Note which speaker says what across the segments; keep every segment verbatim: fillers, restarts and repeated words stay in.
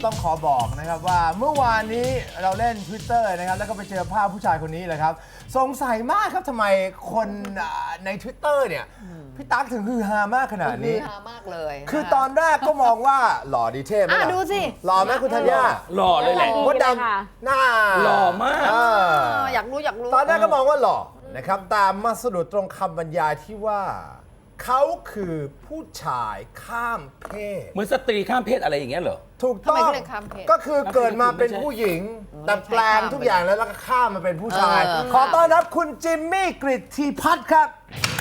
Speaker 1: ต้องขอบอกนะครับว่าเมื่อวานนี้เราเล่น Twitter นะครับแล้วก็ไปเจอภาพผู้ชายคนนี้เลยครับสงสัยมากครับทำไมคนใน Twitter เนี่ยพี่ตั๊กถึงฮือฮามากขนาดนี้
Speaker 2: ฮือฮามากเลยนะ
Speaker 1: คือตอนแรกก็มองว่าหล่อดีเท่ไหม
Speaker 2: อ่ะ
Speaker 1: ล่ะ
Speaker 2: ดูสิ
Speaker 1: หล่อไหมคุณธัญญา
Speaker 3: หล่อเลยแหละ
Speaker 1: มดดำหน้า
Speaker 3: หล่อมาก
Speaker 1: เออ
Speaker 2: อยากรู้อยากรู้
Speaker 1: ตอนแรกก็มองว่าหล่อนะครับตามมาสะดุดตรงคำบรรยายที่ว่าเขาคือผู้ชายข้ามเพศ
Speaker 3: เหมือนสตรีข้ามเพศอะไรอย่างเงี้ยเหรอ
Speaker 1: ถูกต้อง
Speaker 2: ทำไมเขาเรียกข้ามเพศ
Speaker 1: ก็คือเกิดมาเป็นผู้หญิง แต่แปลงทุกอย่างแล้วแล้วก็ข้ามมาเป็นผู้ชาย
Speaker 2: เออ
Speaker 1: ขอต้อนรับคุณจิมมี่กฤทธีพัฒน์ครับ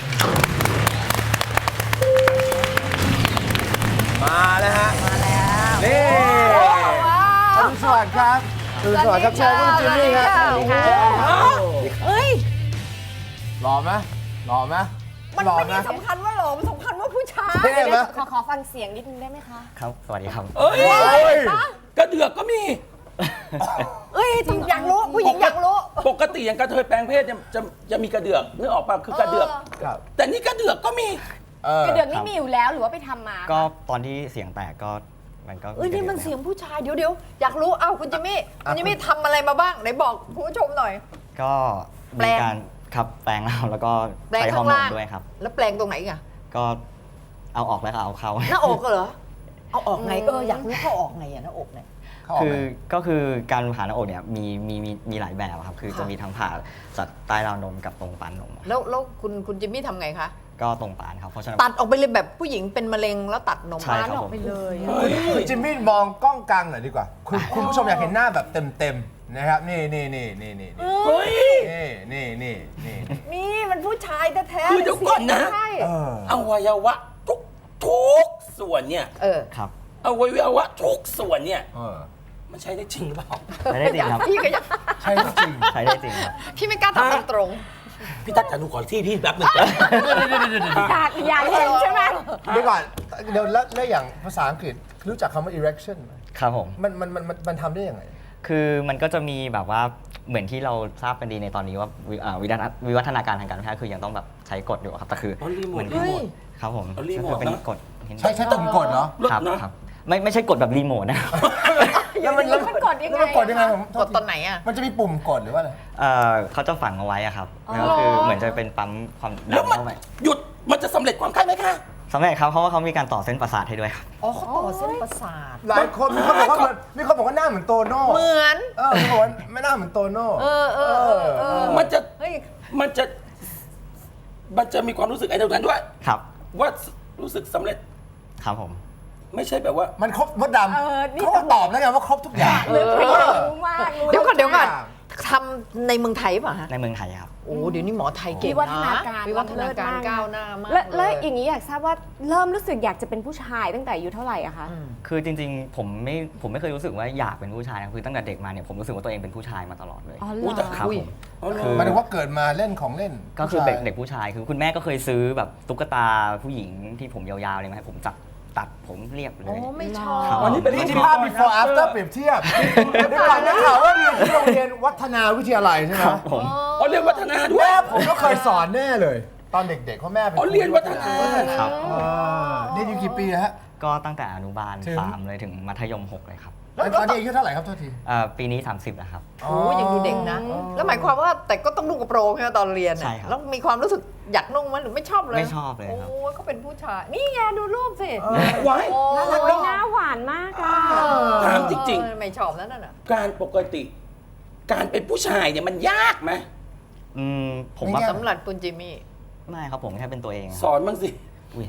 Speaker 1: มาแล้วฮะ
Speaker 2: มาแล้ว
Speaker 1: นี่
Speaker 2: ว้าว
Speaker 1: อรุณสวัสดิ์ครับอรุณสวัสดิ์ครับเชิญคุณจิมมี่ครับ
Speaker 2: สวัสดีค่ะเฮ้ย
Speaker 1: หล่อไหมหล่อไหม
Speaker 2: มัน
Speaker 1: หล่อ
Speaker 2: ไม่
Speaker 1: ไหม
Speaker 2: ได้สำคัญว่าหล่อมันสำคัญว่าผู้ชาย
Speaker 1: เท่ไหม
Speaker 4: ขอขอฟังเสียงนิดนึงได้ไหมคะ
Speaker 5: ครับ สวัสดีครับ
Speaker 3: เอ้ย
Speaker 1: เฮ้ย
Speaker 3: กระเดือกก็มี
Speaker 2: เอ้ยอยากรู้ผู้หญิงอยากรู้
Speaker 3: ปกติอย่างกระเทยแปลงเพศจะจะจะมีกระเดือกนึกออกป่ะคือกระเดือก
Speaker 1: ครับ
Speaker 3: แต่นี่กระเดือกก็มี
Speaker 1: เออก
Speaker 4: ระเดือกนี่มีอยู่แล้วหรือว่าไปทำมา
Speaker 5: ก็ตอนที่เสียงแตกก็มันก็
Speaker 2: เอ้ยนี่มัน
Speaker 5: กระ
Speaker 2: เสี
Speaker 5: ดื
Speaker 2: ย
Speaker 5: อก
Speaker 2: งผู้ชายเดี๋ยวเดี๋ยวอยากรู้เอ้าคุณจิมมี่คุณจิมมี่ทำอะไรมาบ้างไหนบอกคุณผู้ชมหน่อย
Speaker 5: ก็
Speaker 2: แปล
Speaker 5: มี
Speaker 2: ง
Speaker 5: การครับแปลงแล้วแล้วก็
Speaker 2: แปลง
Speaker 5: ใช้ฮอ
Speaker 2: ข้า
Speaker 5: ร์
Speaker 2: ง
Speaker 5: โมน
Speaker 2: ล่าง
Speaker 5: ด้วยครับ
Speaker 2: แล้วแปลงตรงไหนอีกอะ
Speaker 5: ก็เอาออกแล้วก็เอาเข้า
Speaker 2: หน้าอกเหรอเอาออกไงเอออยากรู้เขาออกไงอะหน้าอกเนี่ย
Speaker 1: เขาออก
Speaker 5: คื
Speaker 1: ไห
Speaker 5: อ
Speaker 1: ม
Speaker 5: ก็คือการผ่าหน้าอกเนี่ยมีมีมีมีหลายแบบครับ คือ
Speaker 2: ค่ะ
Speaker 5: จะมีทั้งผ่าจากใต้ราวนมกับตรงปานนม
Speaker 2: แล้วแล้วคุณคุณจิมมี่ทำไงคะ
Speaker 5: ก็ตรงปานครับเพราะฉะนั้น
Speaker 2: ตัดออกไปเลยแบบผู้หญิงเป็นมะเร็งแล้วตัดนม
Speaker 5: ใช่ครับ
Speaker 2: ออกไปเลยอะ
Speaker 1: คุณจิมมี่มองกล้องกลางหน่อยดีกว่า คุณคุณผู้ชมอยากเห็นหน้าแบบเต็มๆนะครับ นี่นี่นี่นี่นี่นี่
Speaker 3: เฮ้ย
Speaker 1: นี่นี่นี่นี่
Speaker 2: นี่มันผู้ชายแท้ๆ
Speaker 3: คือเดี๋ยวก่อนนะ
Speaker 2: ใช่
Speaker 1: เออ
Speaker 3: อวัยวะทุกทุกส่วนเนี่ย
Speaker 2: เออ
Speaker 5: ครับ
Speaker 3: อวัยวะทุกส่วนเนี่ย
Speaker 1: เออ
Speaker 3: มันใช้ได้จริงหรือเปล่า
Speaker 5: ใช้ได้จริงครับ
Speaker 2: พี่ก็ยัง
Speaker 1: ใช่จริง
Speaker 5: ใช้ได้จริงครับ
Speaker 2: พี่ไม่กล้าทำตรง
Speaker 3: พี่ตั๊กจะดูขอที่พี่แป๊บหนึง
Speaker 4: อยากอยากเห็นใช่ไหม
Speaker 1: เดี๋ยวก่อนเดี๋ยวแล้วแล้วอย่างภาษาอังกฤษรู้จักคำว่า erection ไหม
Speaker 5: ครับผม
Speaker 1: มันมันมันมันมันทำได้ยังไง
Speaker 5: คือมันก็จะมีแบบว่าเหมือนที่เราทราบกันดีในตอนนี้ว่าวิอ่าวิวัฒนาวิวัฒนาการทางการแพทย์คือยังต้องแบบใช้กฎอยู่ครับแต่คือ
Speaker 3: อ๋อรีโมท
Speaker 5: เหมือน
Speaker 3: รีโมท
Speaker 5: ครับผม
Speaker 3: อ๋อรีโมท
Speaker 5: ก็คือเป็น
Speaker 3: นะ
Speaker 5: กฎเห็น
Speaker 1: ใช้ใช้ตุ่มกดเหรอ
Speaker 5: ครับ
Speaker 3: เลิศนะ
Speaker 5: ครับไม่ไม่ใช่กฎแบบรีโมทนะครับ
Speaker 1: แล้วมันแล้ว
Speaker 4: มันกดยังไง
Speaker 1: แล้วมันกดยังไงผม
Speaker 2: ๆกดตอนไหนอ่ะ
Speaker 1: มันจะมีปุ่มกดหรือว่าอะไร
Speaker 5: เอ่อเขาจะฝังเอาไว้อะครับ
Speaker 4: อ๋อ
Speaker 5: แล้วก็คือเหมือนจะเป็นปั๊มความ
Speaker 3: แล้ว
Speaker 5: ดัน
Speaker 3: มัน
Speaker 5: เข้าไป
Speaker 3: หยุดมันจะสำเร็จความไข้ไหมคะ
Speaker 5: สำเร็จครับเพราะว่าเขามีการต่อเส้นประสาทให้ด้วยครับ
Speaker 2: อ๋อเขาต่อเส้นประสาท
Speaker 1: หลายคนมีคนบอกว่าเหมือนมีคนบอกว่าหน้าเหมือนโตโน่
Speaker 2: เหมือน
Speaker 1: เออมีคนบอกว่าไม่หน้าเหมือนโตโน่
Speaker 2: เออเออเออเออ
Speaker 3: มันจะ
Speaker 2: เฮ้ย
Speaker 3: มันจะมันจะมีความรู้สึกไอ้ตรงนั้นด้วย
Speaker 5: ครับ
Speaker 3: ว่ารู้สึกสำเร็จ
Speaker 5: ครับผม
Speaker 3: ไม่ใช่แบบว่า
Speaker 1: มันครบมดด
Speaker 4: เออนี่
Speaker 1: ำเขาก็ตอบแล้วไงว่าครบทุกอย่าง
Speaker 4: เออรู้มากรู้
Speaker 2: เดี๋ยวก่อนเดี๋ยวก่อน
Speaker 1: ทุกอย่าง
Speaker 2: ทำในเมืองไทยป่ะฮะ
Speaker 5: ในเมืองไทยครับ
Speaker 2: โอ้เดี๋ยวนี้หมอไทยเก่งนะ
Speaker 4: วิวัฒนาการ
Speaker 2: วิวัฒนาการก้าวหน้ามาก
Speaker 4: แล้วแล้ว
Speaker 2: เย
Speaker 4: อย่างนี้อยากทราบว่าเริ่มรู้สึกอยากจะเป็นผู้ชายตั้งแต่อายุเท่าไหร่อะคะ
Speaker 2: อืม
Speaker 5: คือจริงๆ ผมไม่ผมไม่เคยรู้สึกว่าอยากเป็นผู้ชายนะคือตั้งแต่เด็กมาเนี่ยผมรู้สึกว่าตัวเองเป็นผู้ชายมาตลอดเลย
Speaker 4: อ๋อเหร
Speaker 3: อุ๊ยแต่
Speaker 4: อ
Speaker 5: ครับ
Speaker 2: อุ้ย
Speaker 5: ผม
Speaker 3: อ๋อเหรอ
Speaker 5: คือ
Speaker 1: หมายถึงว่าเกิดมาเล่นของเล่น
Speaker 5: ก็คือ
Speaker 1: ผู้ชาย
Speaker 5: เด็กเด็กผู้ชายคือคุณแม่ก็เคยซื้อแบบตุ๊กตาผู้หญิงที่ผมยาวๆเลยมาให้ผมจับตัดผมเรียบเล
Speaker 2: โอ้
Speaker 5: ย
Speaker 2: ไม่ชอบ
Speaker 5: ครับ
Speaker 3: อันนี้เป็น
Speaker 1: นี่ที่ภาพ before after เปรียบเทียบเดี๋ยวก่อนนะข่าวว่าเรียนที่โรงเรียนวัฒนาวิทยาลัยใช่ไหม
Speaker 5: ครับผม
Speaker 3: อ๋อเรียนวัฒนาด้วย
Speaker 1: แม่ผมก็เคยสอนแน่เลย ตอนเด็กๆเพราะแม่เป็น
Speaker 3: อ๋อเรียนวัฒนา
Speaker 5: ครับ
Speaker 1: อ่าเรียนอยู่กี่ปีฮะ
Speaker 5: ก็ตั้งแต่อนุบาล
Speaker 1: ถึง
Speaker 5: สามเลยถึงมัธยมหกเลยครับ
Speaker 1: แล้วตอนนี้อายุเท่าไหร่ครับโทษที
Speaker 5: เอ่อปีนี้ สามสิบแล้วครับ
Speaker 2: โอ้ยังดูเด็กนะ แล้วหมายความว่าแต่ก็ต้องนุ่งกระโปรงใช่ไหมตอนเรียน
Speaker 5: ใช่
Speaker 2: น่ะ
Speaker 5: ครับ
Speaker 2: แล้วมีความรู้สึกอยากนุ่งไหมหรือไม่ชอบเลย
Speaker 5: ไม่ชอบเลยครับ
Speaker 2: โอ้เขาเป็นผู้ชาย นี่ไงดูรูปสิ
Speaker 3: ไว้
Speaker 2: โอ้
Speaker 4: น่ารักหน้าหวานมากอะ
Speaker 3: ถามจริง
Speaker 2: เออไม่ชอบนั่นน่ะ
Speaker 3: การปกติ การเป็นผู้ชายเนี่ยมันยากไหม
Speaker 5: อืมผมว่า
Speaker 1: ไม่ยาก
Speaker 2: สำหรับคุณจิมมี่
Speaker 5: ไม่ครับผมแค่เป็นตัวเอง
Speaker 3: สอนบ้างสิ
Speaker 5: อุ๊ย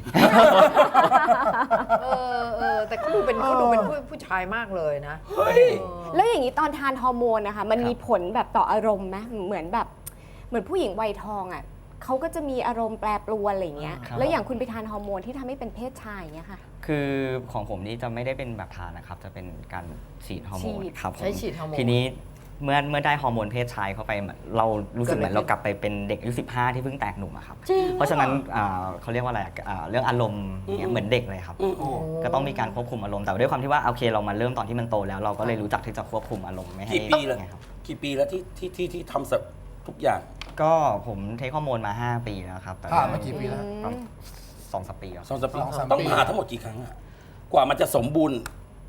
Speaker 2: เออเออแต่เขาดูเป็นเขาดูเป็นผู้ผู้ชายมากเลยนะ
Speaker 3: เฮ้ย
Speaker 4: แล้วอย่างนี้ตอนทานฮอร์โมนนะคะมัน
Speaker 5: ครับ
Speaker 4: มีผลแบบต่ออารมณ์ไหมเหมือนแบบเหมือนผู้หญิงวัยทองอะเขาก็จะมีอารมณ์แปรปรวนอะไรอย่างเงี้ย
Speaker 5: ครับ
Speaker 4: แล้วอย่างคุณไปทานฮอร์โมนที่ทำให้เป็นเพศชายอย่างเงี้ยค่ะ
Speaker 5: คือของผมนี่จะไม่ได้เป็นแบบทานนะครับ จะเป็นการฉีดฮอร์โมน
Speaker 4: ฉีด
Speaker 5: ครับผม
Speaker 2: ใช้ฉีดฮอร์โมน
Speaker 5: ทีนี้เมื่อเมื่อได้ฮอร์โมนเพศชายเข้าไปเหมือนเรารู้สึกเหมือนเรากลับไปเป็นเด็กอายุสิบห้าที่เพิ่งแตกหนุ่มอะครับ
Speaker 2: จริง
Speaker 5: เพราะฉะนั้นอ่าเขาเรียกว่าอะไรอะอ่าเรื่องอารมณ์เนี่ยเหมือนเด็กเลยครับ
Speaker 3: อืม
Speaker 1: โอ้
Speaker 5: ก็ต้องมีการควบคุมอารมณ์แต่ด้วยความที่ว่าโอเคเรามาเริ่มตอนที่มันโตแล้ว เราก็เลยรู้จักที่จะควบคุมอารมณ์ไม่ให้
Speaker 3: กี่ปีแล้ว
Speaker 5: ไงครับ
Speaker 3: กี่ปีแล้วที่ที่ที่ที่ทำสับทุกอย่าง
Speaker 5: ก็ผมเทคฮอร์โมนมา ห้า ปีแล้วครับแต่
Speaker 1: ผ่านมากี่ปีแล้ว
Speaker 5: ประมาณสองสามปีแล้ว
Speaker 3: สองสามปี
Speaker 1: สองสามปี
Speaker 3: ต้องผ่าทั้งหมดกี่ครั้งอะกว่ามันจะสมบูรณ์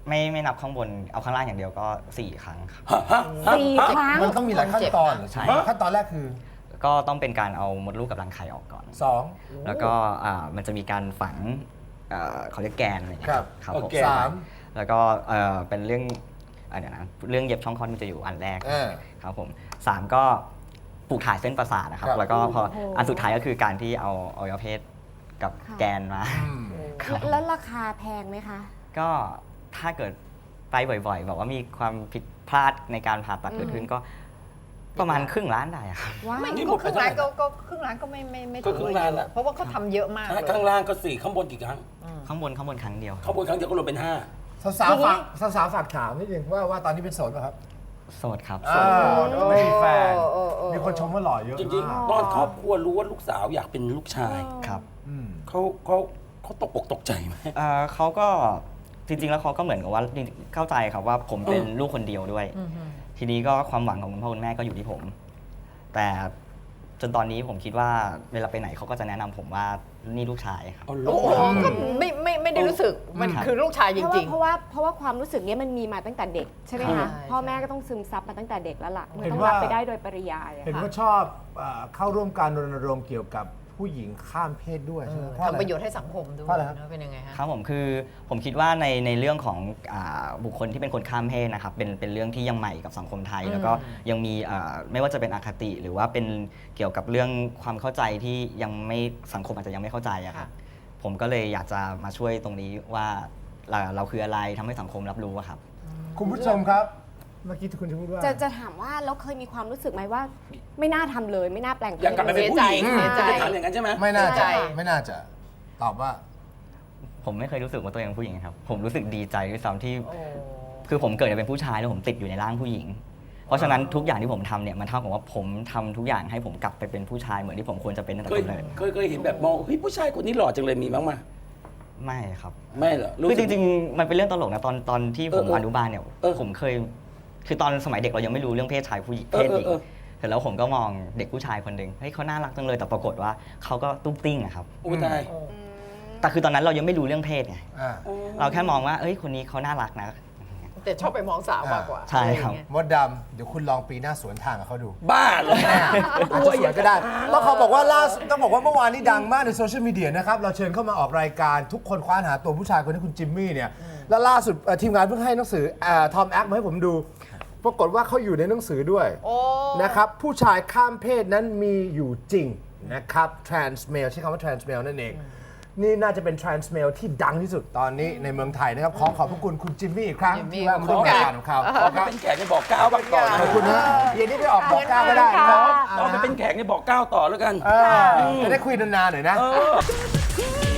Speaker 5: ไม่ไม่นับข้างบนเอาข้างล่างอย่างเดียวก็สี่ครั้งครับ
Speaker 4: สี่ครั้ง
Speaker 1: มันต้องมีหลายขั้นตอนเหรอใช่ไหมขั้นตอนแรกคือ
Speaker 5: ก็ต้องเป็นการเอามดลูกกับรังไข่ออกก่อน
Speaker 1: สอง
Speaker 5: แล้วก็อ่ามันจะมีการฝังเอ่อเขาเรียกแกนอะไรอย่างเงี้ย
Speaker 1: ครับ
Speaker 5: ครับผม
Speaker 1: โอเคสาม
Speaker 5: แล้วก็เอ่อเป็นเรื่องอ่ะเดี๋ยวนะเรื่องเย็บช่องคลอดมันจะอยู่อันแรก
Speaker 1: เออ
Speaker 5: ครับผมสามก็ปลูกถ่ายเส้นประสาทนะครับ
Speaker 1: ครับ
Speaker 5: แล้วก็พอ
Speaker 4: โอ้โห
Speaker 5: อันสุดท้ายก็คือการที่เอาอวัยวะเพศกับ
Speaker 4: ค่ะ
Speaker 5: แกนมา
Speaker 1: อืม
Speaker 4: แล้วราคาแพงไหมคะ
Speaker 5: ก็ถ้าเกิดไปบ่อยๆแบบว่ามีความผิดพลาดในการผ่าตัดเกิดขึ้นก็ประมาณครึ่งล้านได้อะครับ
Speaker 4: ว้า
Speaker 2: ไม่
Speaker 4: ว
Speaker 3: นี่หม
Speaker 2: ก็
Speaker 3: ด
Speaker 2: ค
Speaker 3: ไป
Speaker 2: รึ่ง
Speaker 3: เท่าไหร่
Speaker 2: ล้านก็ก็ครึ่งล้านก็ไม่ไม่ไม่
Speaker 3: ก็ครึ่งล้านละ
Speaker 2: เพราะว่าเขาทำเยอะมากเลย
Speaker 3: ข้างล่างก็สี่ข้างบนกี่ครั้ง
Speaker 5: ข้างบนข้างบนครั้งเดียวครับ
Speaker 3: ข้างบนครั้งเดียวก็รวมเป็นห้า
Speaker 1: สาวๆฝากสาวๆฝากถามนิดนึงว่าว่าตอนนี้เป็นโสดป่ะครับ
Speaker 5: โสดครับ
Speaker 1: อ่าไม่มีแฟน
Speaker 2: เออเออ
Speaker 1: มีคนชมว่าหล่อเยอะ
Speaker 3: จริงๆ ตอนครอบครัวรู้ว่าลูกสาวอยากเป็นลูกชาย
Speaker 5: ครับ
Speaker 1: อืม
Speaker 3: เขาเขาเขาตกอกตกใจไหม
Speaker 5: เอ่อเขาก็จริงๆแล้วเขาก็เหมือนกับว่าจริงๆเข้าใจครับว่าผมเป็น
Speaker 3: เออ
Speaker 5: ลูกคนเดียวด้วย ทีนี้ก็ความหวังของคุณพ่อคุณแม่ก็อยู่ที่ผม แต่จนตอนนี้ผมคิดว่าเวลาไปไหนเขาก็จะแนะนำผมว่านี่ลูกชายครับ
Speaker 3: เอาลู
Speaker 2: โอ้
Speaker 3: ก
Speaker 2: โหก็ไม่ไม่ไม่ได้รู้สึกมัน
Speaker 5: ครับ
Speaker 2: คือลูกชายจ
Speaker 4: เพราะ
Speaker 2: ริ
Speaker 4: ว่าง เพราะว่าเพราะว่าความรู้สึกเนี้ยมันมีมาตั้งแต่เด็กใช่ไหม
Speaker 2: ใช่
Speaker 4: คะ
Speaker 2: ใช่
Speaker 4: พ่อแม่ก็ต้องซึมซับมาตั้งแต่เด็กแล้วล่ะมัน
Speaker 1: เห็น
Speaker 4: ต้อง
Speaker 1: ว่า
Speaker 4: รับไปได้โดยปริยายอะ
Speaker 1: เห็น
Speaker 4: ค่ะ
Speaker 1: ว่าชอบเอ่อเข้าร่วมการรณรงค์เกี่ยวกับผู้หญิงข้ามเพศด้วยใช่ไหมเพราะอะไร
Speaker 2: ทำประโยชน์ให้สังคมด้วย
Speaker 1: เพราะอะไรครับ
Speaker 2: นะเป็นยังไงฮะ
Speaker 5: ครับผมคือผมคิดว่าในในเรื่องของอาบุคคลที่เป็นคนข้ามเพศนะครับเป็นเป็นเรื่องที่ยังใหม่กับสังคมไทย
Speaker 2: อืม
Speaker 5: แล้วก็ยังมีอ่าไม่ว่าจะเป็นอคติ หรือว่าเป็นเกี่ยวกับเรื่องความเข้าใจที่ยังไม่สังคมอาจจะยังไม่เข้าใจอะครับผมก็เลยอยากจะมาช่วยตรงนี้ว่าเราเราคืออะไรทำให้สังคมรับรู้อะครับ
Speaker 1: คุณผู้ชมครับ เมื่อกี้ที่คุณจะพูดว่า
Speaker 4: จะจะถามว่าเราเคยมีความรู้สึกไหมว่า ไม่น่าทำเลยไม่น่าแปลงเพศ
Speaker 3: อยากกลับไปเป็นผู้หญิง
Speaker 2: เสียใจ
Speaker 3: จะถามอย่างนั้นใช่ไหม
Speaker 1: ไม่น่า
Speaker 2: ใจ
Speaker 1: จะไม่น่าจะตอบว่า
Speaker 5: ผมไม่เคยรู้สึกว่าตัวเองเป็นผู้หญิงครับผมรู้สึกดีใจด้วยซ้ำที่
Speaker 2: โอ้
Speaker 5: คือผมเกิดมาเป็นผู้ชายแล้วผมติดอยู่ในร่างผู้หญิง เพราะฉะนั้นทุกอย่างที่ผมทำเนี่ยมันเท่ากับว่าผมทำทุกอย่างให้ผมกลับไปเป็นผู้ชายเหมือนที่ผมควรจะเป็นตั้งแต่
Speaker 3: เคย
Speaker 5: กำเนิด
Speaker 3: เคยเคยเห็นแบบมองเฮ้ยผู้ชายคนนี้หล่อจังเลยมีบ้างไหม
Speaker 5: ไม่ครับ
Speaker 3: ไม่เหรอ
Speaker 5: คือจริงๆ มันเป็นเรื่องตลกนะตอนตอนที่ผม
Speaker 3: เออเออ
Speaker 5: อนุบาลเนี่ย
Speaker 3: เออ
Speaker 5: ผมเคย คือตอนสมัยเด็กเรายังไม่รู้เรื่องเพศชายผู้หญิง
Speaker 3: เอ
Speaker 5: เพ
Speaker 3: อ
Speaker 5: ศหญิง
Speaker 3: เออเออ
Speaker 5: เสร็จแล้วผมก็มองเด็กผู้ชายคนหนึ่งเฮ้ยเขาน่ารักจังเลยแต่ปรากฏว่าเขาก็ตุ้งติ้งอะครับ
Speaker 3: โอ้ตาย
Speaker 5: แต่คือตอนนั้นเรายังไม่รู้เรื่องเพศไง
Speaker 1: อ่า
Speaker 5: เราแค่มองว่าเอ้ยคนนี้เขาน่ารักนะ
Speaker 2: แต่ชอบไปมองสาวมากกว่า
Speaker 5: ใช่ครับ
Speaker 2: อะไอย่างเงี้ย
Speaker 1: มดดำเดี๋ยวคุณลองปีหน้าสวนทางกับเขาดู
Speaker 3: บ้าเหรอ
Speaker 1: อาจจะสวยก็ได้ต้องเขาบอกว่าล่าสุดต้องบอกว่าเมื่อวานนี้ดังมากในโซเชียลมีเดียนะครับ เราเชิญเข้ามาออกรายการทุกคนคว้านหาตัวผู้ชายคนนี้คุณจิมมี่เนี่ย แล้วล่าสุดเอ่อทีมงานเพิ่งให้หนังสือทอมแอคมาให้ผมดู ปรากฏว่าเขาอยู่ในหนังสือด้วย
Speaker 2: โอ้
Speaker 1: นะครับ ผู้ชายข้ามเพศนั้นมีอยู่จริงนะครับ trans male ใช้คำว่า trans male นั่นเอง นี่น่าจะเป็น trans male ที่ดังที่สุดตอนนี้ในเมืองไทยนะครับ ขอขอบพระคุณคุณจิมมี่อีกครั้ง
Speaker 2: จิมมี่
Speaker 1: ที่แวะมาร่วมรายการของเขา
Speaker 3: ขอไปเป็นแขกในบอกเก้าบ้างก่อน
Speaker 1: ขอบคุณนะเย็นนี้ไปออกบอกก้าวก็ได้นะครับ
Speaker 3: เราไปเป็นแขกในบอกเก้าต่อแล้วกัน
Speaker 1: เออจะได้คุยนานๆหน่อยนะ
Speaker 3: เออ